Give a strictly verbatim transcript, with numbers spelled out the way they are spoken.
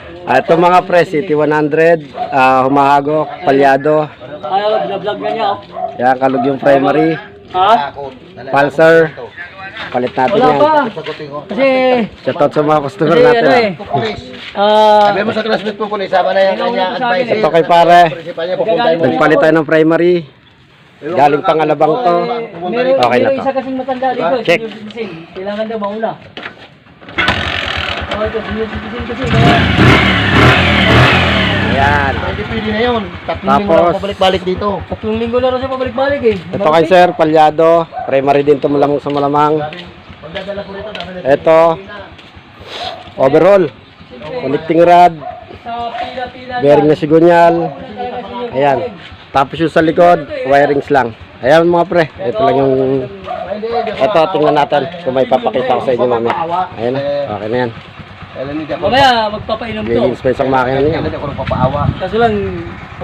Ah, ito mga pre, City one hundred, ah, humahagok, palyado. Ayaw, binablog na niya. oh. Yan, kalug yung primary. Ha? Pulsar. Palit natin Wala yan. pa. Kasi, Shoutout sa mga customer kasi natin. ano ah. eh. Ah, Sabi mo sa classmate po, Kulis, sama na yung kanya advice. Ito kay pare. Principal niya, pupuntahin mo. Nagpalit tayo ng primary. Galing pangalabang to. meron, Okay na meron to. isa kasing matanda dito. Check. Senior citizen. Kailangan daw mauna. Oh, ito, senior citizen kasi. Kaya, Ayan. Hindi pwede na yun. Tatlong linggo Tapos, lang pabalik-balik dito. tatlong linggo na rin siya pabalik-balik eh. ito kay sir, palyado. Primary din to malamang sa malamang. Pagdadala po rito, dami na. Ito. Overall. Connecting rod. Sa pila-pila. Bearing na sigunyal. Ayan. Tapos yung sa likod, wirings lang. Ayan mga pre. Ito lang yung... Ito, tingnan natin kung may papakita ko sa inyo mami. Ayan na. Okay na yan. Kailan hindi ako Mamaya, magpapainom to. Giging space ang makina niya. Kailan hindi ako nagpapaawa. Kaso lang,